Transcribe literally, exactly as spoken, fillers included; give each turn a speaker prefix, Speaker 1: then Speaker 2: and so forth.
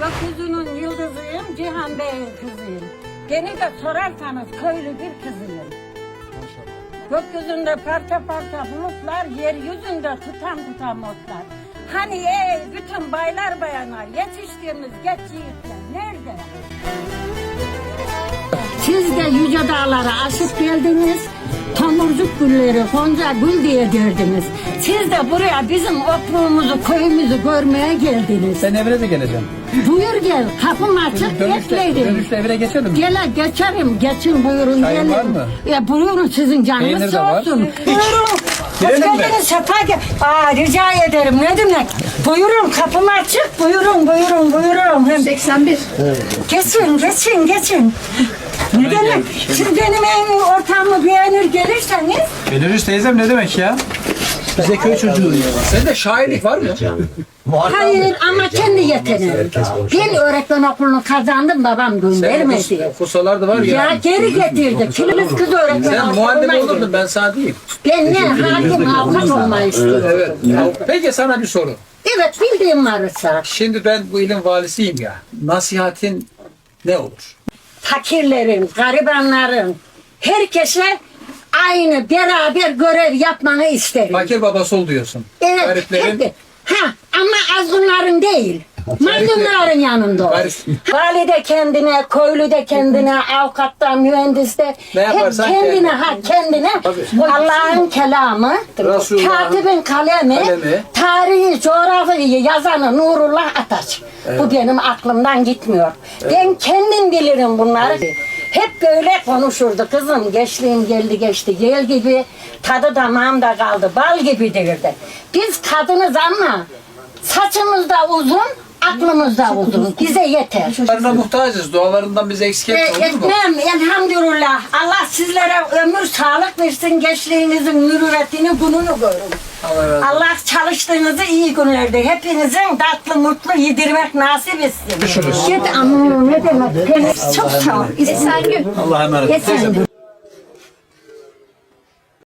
Speaker 1: Gökyüzünün yıldızıyım, Cihan Bey'in kızıyım. Beni de sorarsanız köylü bir kızıyım. Gökyüzünde parça parça bulutlar, yeryüzünde tutam tutam otlar. Hani ey bütün baylar bayanlar, yetiştiğimiz geç yiğitler nerede? Siz de yüce dağlara aşıp geldiniz, tomurcuk gülleri Gonca Gül diye derdiniz. Siz de buraya bizim okluğumuzu, köyümüzü görmeye geldiniz.
Speaker 2: Ben evine de geleceğim.
Speaker 1: Buyur gel, kapım açık,
Speaker 2: Dönüşte,
Speaker 1: bekleyin.
Speaker 2: dönüşte evine geçelim.
Speaker 1: Gele geçerim, geçin buyurun
Speaker 2: Çayın
Speaker 1: gelin.
Speaker 2: var mı?
Speaker 1: Ya buyurun sizin canınız
Speaker 2: Peynir de
Speaker 1: sağ
Speaker 2: var.
Speaker 1: olsun. Buyurun. Hoş
Speaker 2: Girelim mi?
Speaker 1: geldiniz, sefa gel. Aa rica ederim, ne demek? Buyurun, kapım açık, buyurun, buyurun, buyurun. Hem
Speaker 3: seksen bir.
Speaker 1: geçin, geçin, geçin. Ne demek? Siz benim en ortamı beğenir gelirseniz.
Speaker 2: Belirüş teyzem ne demek ya? Bize köy çocuğu ya. Sende şairlik var mı?
Speaker 1: Hayır ama kendi yeteneğim. Ben öğretmen okulunu kazandım, babam göndermedi.
Speaker 2: Kusalar da var ya.
Speaker 1: Ya geri getirdi. Kilimiz kız öğretmen
Speaker 2: Sen
Speaker 1: okuluna
Speaker 2: muhallebi
Speaker 1: gitti.
Speaker 2: olurdun, ben sana diyeyim.
Speaker 1: Ben ne hakim avukat olmayı istiyorum.
Speaker 2: Evet. Peki sana bir soru.
Speaker 1: Evet bildiğim varsa.
Speaker 2: Şimdi ben bu ilin valisiyim ya. Nasihatin ne olur?
Speaker 1: Fakirlerin, garibanların, herkese aynı beraber görev yapmanı isterim.
Speaker 2: Fakir babası ol diyorsun.
Speaker 1: Evet,
Speaker 2: Gariplerin
Speaker 1: hep- ha, ama azgınların değil. Mazlumların yanında ol.
Speaker 2: Garip-
Speaker 1: Valide kendine, köylü de kendine, avukattan, mühendis de
Speaker 2: Ne
Speaker 1: hep
Speaker 2: yaparsan
Speaker 1: kendine,
Speaker 2: kendine.
Speaker 1: ha kendine. Allah'ın kelamı,
Speaker 2: Resulullah'ın
Speaker 1: katibin kalemi,
Speaker 2: kalemi.
Speaker 1: tarihi, coğrafyayı yazanı Nurullah Ataç. Bu benim aklımdan gitmiyor. Ben kendim bilirim bunları. Hep böyle konuşurdu kızım. Gençliğim geldi geçti. Yel gibi tadı damağımda kaldı. Bal gibi derdi. Biz kadınız ama saçımız da uzun, aklımız da uzun. Bize yeter.
Speaker 2: Dualarına muhtacız. Dualarından bize eksik
Speaker 1: E,
Speaker 2: etme, olur mu?
Speaker 1: etmem elhamdülillah. Allah sizlere ömür sağlık versin. Gençliğinizin mürüvvetini, gününü görün.
Speaker 2: Allah razı olsun.
Speaker 1: Allah çalıştığınızı iyi günlerde hepinizin tatlı mutlu yedirmek nasip etsin.
Speaker 2: Görüşürüz.
Speaker 1: Git ama ne demek? Çok sağ ol.
Speaker 3: Esengül.
Speaker 2: Allah'a emanet.
Speaker 1: Efendim.